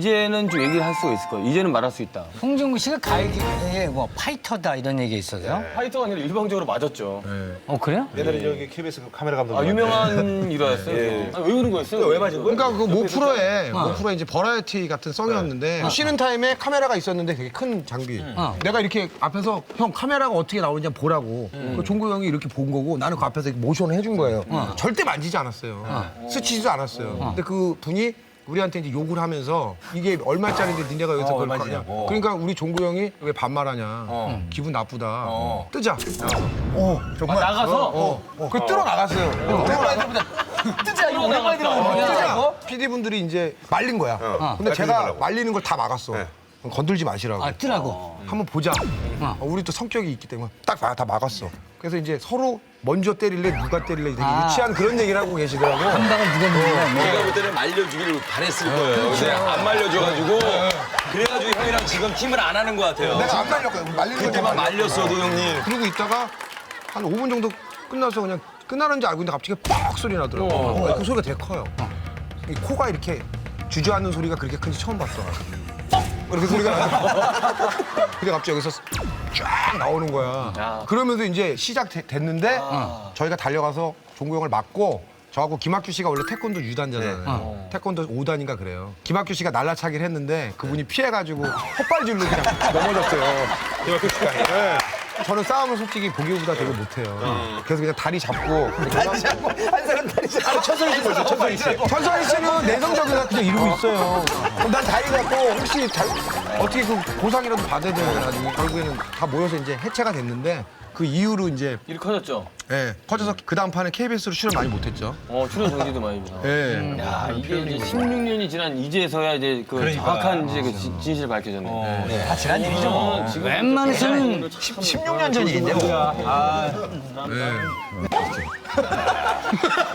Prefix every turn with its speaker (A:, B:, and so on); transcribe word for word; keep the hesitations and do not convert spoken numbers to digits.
A: 이제는 좀 얘기를 할 수가 있을 거예요. 이제는 말할 수 있다.
B: 홍진구 씨가 가요계의 뭐 파이터다 이런 얘기 있어요?
A: 파이터가 아니라 일방적으로 맞았죠.
B: 어 그래요?
C: 옛날에 저기 케이비에스 그 카메라 감독.
A: 아, 유명한 일화였어요.
C: 예.
A: 아, 왜 그런 거였어요?
C: 왜 맞은 거야?
D: 그러니까 그 모 프로에 모 프로에 이제 버라이어티 같은 성이었는데 쉬는 타임에 카메라가 있었는데 되게 큰 장비. 내가 이렇게 앞에서 형 카메라가 어떻게 나오는지 한번 보라고. 그 종구 형이 이렇게 본 거고 나는 그 앞에서 이렇게 모션을 해준 거예요. 절대 만지지 않았어요. 스치지도 않았어요. 근데 그 분이 우리한테 이제 욕을 하면서 이게 얼마짜리인데 니네가 여기서 그걸 거냐. 그러니까 우리 종구 형이 왜 반말하냐. 기분 나쁘다. 뜨자.
A: 아, 나가서?
D: 어, 어. 그 뜨러 나갔어요.
A: 뜨자, 이거 오랜만에
D: 뜨자. 피디분들이 이제 말린 거야. 근데 제가 말리는 걸 다 막았어. 그럼 건들지 마시라고.
B: 아 뜨라고.
D: 한번 보자. 어, 우리 또 성격이 있기 때문에 딱 다 막았어. 그래서 이제 서로 먼저 때릴래 누가 때릴래 되게
B: 아.
D: 유치한 그런 얘기를 하고 계시더라고.
B: 한 방을 누가 누르냐.
E: 제가 볼 때는 말려주기를 바랬을 거예요. 근데 안 말려줘가지고 그래가지고 형이랑 지금 팀을 안 하는 것 같아요.
D: 내가 안 말렸거든. 말리는 걸
E: 그때만
D: 말렸어.
E: 말렸어도 형님.
D: 그러고 있다가 한 오 분 정도 끝나서 그냥 끝나는 줄 알고 있는데 갑자기 뻑 소리 나더라고. 어, 그 소리가 되게 커요. 이 코가 이렇게 주저앉는 소리가 그렇게 큰지 처음 봤어. 그렇게 소리가 나. 근데 갑자기 여기서 쫙 나오는 거야. 그러면서 이제 시작됐는데 저희가 달려가서 종구 형을 맞고 저하고 김학규 씨가 원래 태권도 유 단잖아요. 태권도 오 단인가 그래요. 김학규 씨가 날라차기를 했는데 그분이 피해가지고 헛발질로 그냥 넘어졌어요. 김학규 씨가. 네. 저는 싸움을 솔직히 보기보다 되게 못해요. 그래서 그냥 다리 잡고. 다리 잡고? 한 사람 다리 잡고. 천선이 씨 보세요, 천선이 씨. 천선이 씨는 내성적이라 그냥 이러고 있어요. 그럼 난 다리 잡고 혹시 잘, 어떻게 그 보상이라도 받아야 되나. 결국에는 다 모여서 이제 해체가 됐는데 그 이후로 이제
A: 일이 커졌죠?
D: 예, 커져서 그 다음 판에 케이비에스로 출연 많이 못했죠.
A: 어, 출연 정지도 많이 죠
D: 예.
A: 야, 이게 이제 십육 년이 지난 이제서야 이제 그 정확한 이제 그 진- 진실이 밝혀졌네.
B: 다 지난 일이죠 뭐.
A: 지금
B: 웬만해서는
C: 십육 년 전인데 뭐.